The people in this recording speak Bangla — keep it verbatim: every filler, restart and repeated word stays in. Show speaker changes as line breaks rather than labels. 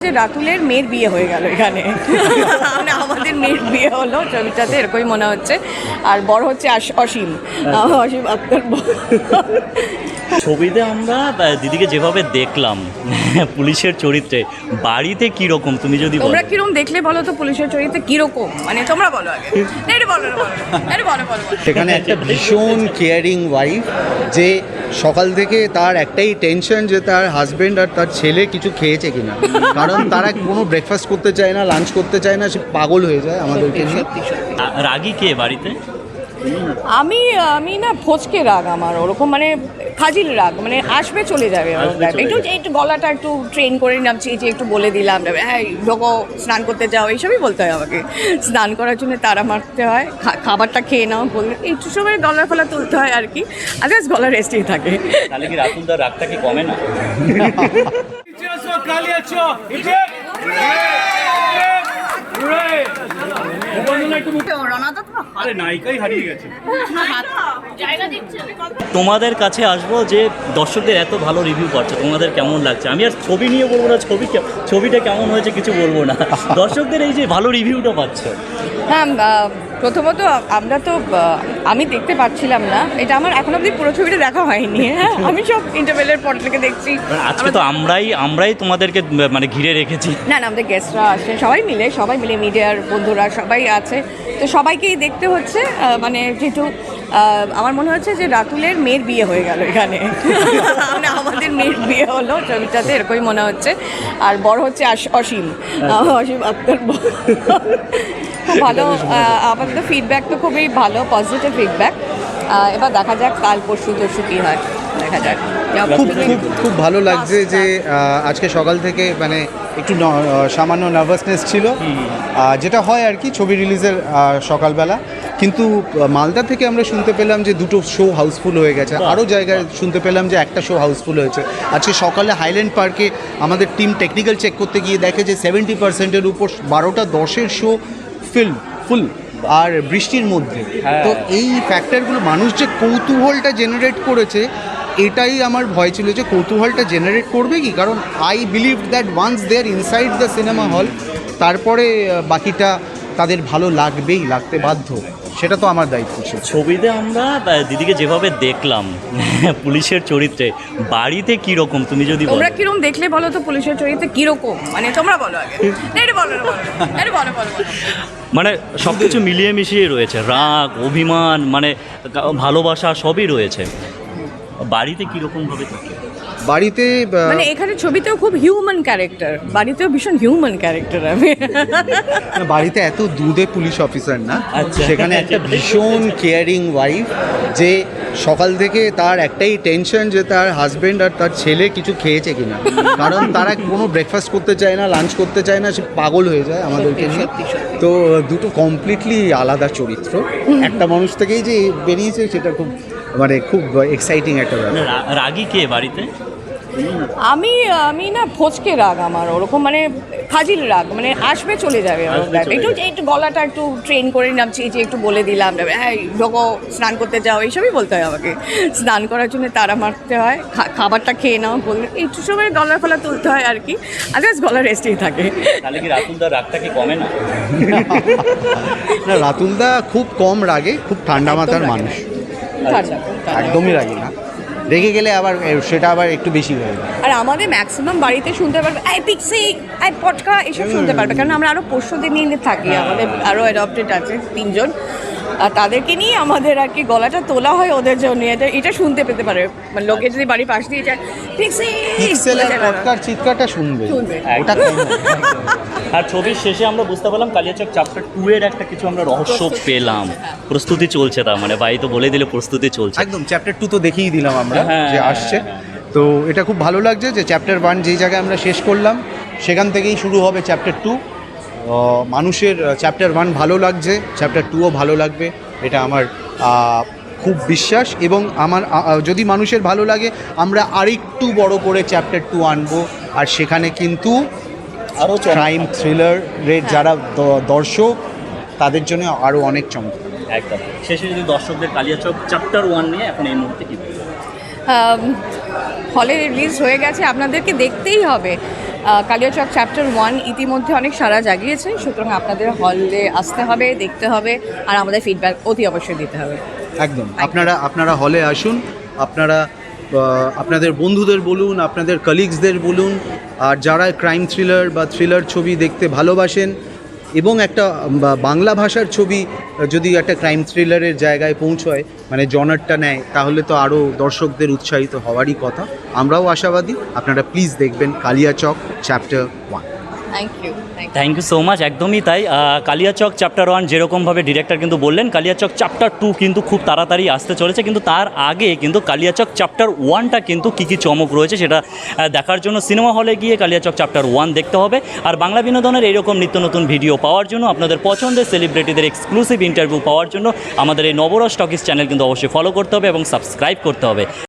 যে রাতুলের মেয়ের বিয়ে হয়ে গেল এখানে মানে আমাদের মেয়ের বিয়ে হলো ছবিটাতে, এরকমই মনে হচ্ছে। আর বড় হচ্ছে আস- অসীম অসীম আক্তার।
ছবিতে আমরা দিদিকে যেভাবে দেখলাম পুলিশের চরিত্রে, বাড়িতে কি রকম তুমি যদি বলো?
তোমরা কিরকম দেখলে বলো তো পুলিশের চরিত্রে কিরকম, মানে তোমরা বলো আগে। না, এটা বলো না, বলো এটা বলো বলো বলো।
সেখানে একটা ভীষণ কেয়ারিং ওয়াইফ, যে সকাল থেকে তার একটাই টেনশন যে তার হাজবেন্ড আর তার ছেলে কিছু খেয়েছে কিনা, কারণ তারা কোনো ব্রেকফাস্ট করতে চায় না, লাঞ্চ করতে চায় না, সে পাগল হয়ে যায় আমাদেরকে নিয়ে।
রা- রাগী কে বাড়িতে?
আমি আমি না ফচকে রাগ আমার ওরকম, মানে ফাজিল রাগ, মানে আসবে চলে যাবে ওরকম
আসবে
রাগ।
চলে
একটু
যাবে।
একটু গলাটা একটু ট্রেন করে নামছি, যে একটু বলে দিলাম, হ্যাঁ ঢোকো স্নান করতে যাও, এইসবই বলতে হয় আমাকে। স্নান করার জন্য তাড়া মারতে হয়, খা- খাবারটা খেয়ে নাও বললে একটু সময় গলার ফলা তুলতে হয় আর কি, আদার্স গলা রেস্টেই থাকে।
তাহলে কি রাতুলদার রাগটা কি কমে না?
আরে নায়িকাই হারিয়ে গেছে।
তোমাদের কাছে আসবো যে দর্শকদের এত ভালো রিভিউ করছে, তোমাদের কেমন লাগছে? আমি আর ছবি নিয়ে বলবো না, ছবি কে- ছবিটা কেমন হয়েছে কিছু বলবো না, দর্শকদের এই যে ভালো রিভিউটা পাচ্ছে।
হ্যাঁ, আহ, প্রথমত আমরা তো আহ, আমি দেখতে পাচ্ছিলাম না, এটা আমার এখন অবধি পুরো ছবিটা দেখা হয়নি। হ্যাঁ, আমি সব ইন্টারভেলের পর থেকে দেখছি।
আজকে তো আমরাই আমরাই তোমাদেরকে মানে ঘিরে রেখেছি।
না না, আমাদের গেস্টরা আসে, সবাই মিলে সবাই মিলে মিডিয়ার বন্ধুরা সবাই আছে, তো সবাইকেই দেখতে হচ্ছে। আহ, মানে যেহেতু আহ, আমার মনে হচ্ছে যে রাতুলের মেয়ের বিয়ে হয়ে গেল এখানে মানে আমাদের মেয়ের বিয়ে হলো ছবিটাতে, এরকমই মনে হচ্ছে। আর বড় হচ্ছে আস- অসীম অসীম আক্তার। খুব ভালো, আহ, আমাদের তো ফিডব্যাক তো খুবই ভালো, পজিটিভ ফিডব্যাক। এবার দেখা যাক কাল পরশু তরশু কী হয়, দেখা যাক।
খুব খুব খুব ভালো লাগছে যে আহ, আজকে সকাল থেকে মানে একটু ন- আহ, সামান্য নার্ভাসনেস ছিল, আহ, যেটা হয় আর কি ছবি রিলিজের আহ, সকালবেলা। কিন্তু আহ, মালদা থেকে আমরা শুনতে পেলাম যে দুটো শো হাউসফুল হয়ে গেছে, আরও জায়গায় শুনতে পেলাম যে একটা শো হাউসফুল হয়েছে। আজকে সকালে হাইল্যান্ড পার্কে আমাদের টিম টেকনিক্যাল চেক করতে গিয়ে দেখে যে সেভেন্টি পার্সেন্টের উপর বারোটা দশের শো ফিল্ম ফুল, আর বৃষ্টির মধ্যে। তো এই ফ্যাক্টরগুলো মানুষ যে কৌতূহলটা জেনারেট করেছে, এটাই আমার ভয় ছিল যে কৌতূহলটা জেনারেট করবে কি, কারণ I believe that once they are inside the cinema hall, তারপরে আহ, বাকিটা তাদের ভালো লাগবেই, লাগতে বাধ্য, সেটা তো আমার দায়িত্ব ছিল।
ছবিতে আমরা দিদিকে যেভাবে দেখলাম পুলিশের চরিত্রে, বাড়িতে কি রকম তুমি যদি বলো?
তোমরা কিরকম দেখলে বলো তো পুলিশের চরিত্রে কিরকম, মানে তোমরা বলো আগে। না, এটা বলো না, বলো এটা বলো বলো বলো।
মানে সব কিছু মিলিয়ে মিশিয়ে রয়েছে, রাগ, অভিমান, মানে ভালোবাসা সবই রয়েছে। বাড়িতে কীরকমভাবে থাকে?
বাড়িতে আহ,
মানে এখানে ছবিতেও খুব হিউম্যান ক্যারেক্টার, বাড়িতেও ভীষণ হিউম্যান ক্যারেক্টার আমি।
বাড়িতে এত দুধে পুলিশ অফিসার না,
আচ্ছা।
সেখানে একটা ভীষণ কেয়ারিং ওয়াইফ, যে সকাল থেকে তার একটাই টেনশন যে তার হাজবেন্ড আর তার ছেলে কিছু খেয়েছে কিনা, কারণ তারা কোনো ব্রেকফাস্ট করতে চায় না, লাঞ্চ করতে চায় না, সে পাগল হয়ে যায় আমাদেরকে নিয়ে। তো দুটো কমপ্লিটলি আলাদা চরিত্র একটা মানুষ থেকেই যে বেরিয়েছে, সেটা খুব মানে খুব এক্সাইটিং একটা ব্যাপার।
মানে রা- রাগী কে বাড়িতে?
আমি আমি না ফচকে রাগ আমার ওরকম, মানে ফাজিল রাগ, মানে আসবে চলে যাবে ওরকম
আসবে
রাগ।
চলে
একটু
যাবে।
একটু গলাটা একটু ট্রেন করে নামছি, যে একটু বলে দিলাম, হ্যাঁ ঢোকো স্নান করতে যাও, এইসবই বলতে হয় আমাকে। স্নান করার জন্য তাড়া মারতে হয়, খা- খাবারটা খেয়ে নাও বললে একটু সময় গলার ফলা তুলতে হয় আর কি, আদার্স গলা রেস্টেই থাকে।
তাহলে কি রাতুলদার রাগটা কি কমে না?
না, রাতুলদা খুব কম রাগে, খুব ঠান্ডা মাথার মানুষ,
ঠান্ডা, ঠান্ডা।
একদমই রাগে না, রেগে গেলে আবার এ, সেটা আবার একটু বেশি হয়ে যায়।
আর আমাদের ম্যাক্সিমাম বাড়িতে শুনতে পারবে আই পিক্সি আই পটকা এসব শুনতে পারবে, কারণ আমরা আরও পরশুদের নিয়ে থাকি, আমাদের আরও অ্যাডপ্টেড আছে তিনজন, আর তাদেরকে নিয়ে আমাদের আর কি গলাটা তোলা হয় ওদের জন্য, এটা এটা শুনতে পেতে পারে, মানে লোকে যদি বাড়ির পাশ দিয়ে যায় পিক্সি
পিক্সেলের পটকার চিৎকারটা শুনবে,
শুনবে।
ওটা কম হয়।
আর ছবির শেষে আমরা বুঝতে পারলাম কালিয়াচক চ্যাপ্টার টু এর একটা কিছু আমরা রহস্য পেলাম, প্রস্তুতি চলছে, তার মানে বাই তো বলে দিলে প্রস্তুতি চলছে।
একদম চ্যাপ্টার টু তো দেখেই দিলাম আমরা
হ্যাঁ,
যে
হ্যাঁ,
আসছে, তো এটা খুব ভালো লাগছে যে চ্যাপ্টার ওয়ান যেই জায়গায় আমরা শেষ করলাম, সেখান থেকেই শুরু হবে চ্যাপ্টার টু। মানুষের চ্যাপ্টার ওয়ান ভালো লাগছে, চ্যাপ্টার টুও ভালো লাগবে, এটা আমার আহ, খুব বিশ্বাস। এবং আমার আ- আ- যদি মানুষের ভালো লাগে, আমরা আরেকটু বড় করে চ্যাপ্টার টু আনবো, আর সেখানে কিন্তু
আরও
ক্রাইম থ্রিলারের যারা দ- দর্শক, তাদের জন্য আরও অনেক চমক।
একদম শেষে যদি দর্শকদের কালিয়াচক চ্যাপ্টার ওয়ান নিয়ে এখন এই মুহূর্তে কি বলবো?
হলে রিলিজ হয়ে গেছে, আপনাদেরকে দেখতেই হবে। কালিয়াচক চ্যাপ্টার ওয়ান ইতিমধ্যে অনেক সাড়া জাগিয়েছে, সুতরাং আপনাদের হলে আসতে হবে, দেখতে হবে, আর আমাদের ফিডব্যাক অতি অবশ্যই দিতে হবে।
একদম আপনারা আপনারা হলে আসুন, আপনারা আহ, আপনাদের বন্ধুদের বলুন, আপনাদের কলিগসদের বলুন, আর যারা ক্রাইম থ্রিলার বা থ্রিলার ছবি দেখতে ভালোবাসেন এবং একটা বা বাংলা ভাষার ছবি যদি একটা ক্রাইম থ্রিলারের জায়গায় পৌঁছয়, মানে জনারটা নেয়, তাহলে তো আরও দর্শকদের উৎসাহিত হওয়ারই কথা। আমরাও আশাবাদী, আপনারা প্লিজ দেখবেন Kaliachak chapter one.
Thank you thank you
thank you so much, একদমই তাই। আহ, কালিয়াচক চ্যাপ্টার ওয়ান যেরকমভাবে ডিরেক্টর কিন্তু বললেন, কালিয়াচক চ্যাপ্টার টু কিন্তু খুব তাড়াতাড়ি আসতে চলেছে, কিন্তু তার আগে কিন্তু কালিয়াচক চ্যাপ্টার ওয়ানটা কিন্তু কী কী চমক রয়েছে সেটা আহ, দেখার জন্য সিনেমা হলে গিয়ে কালিয়াচক চ্যাপ্টার ওয়ান দেখতে হবে। আর বাংলা বিনোদনের এইরকম নিত্য নতুন ভিডিও পাওয়ার জন্য, আপনাদের পছন্দের সেলিব্রিটিদের এক্সক্লুসিভ ইন্টারভিউ পাওয়ার জন্য আমাদের এই নবরস টকিজ চ্যানেল কিন্তু অবশ্যই ফলো করতে হবে এবং সাবস্ক্রাইব করতে হবে।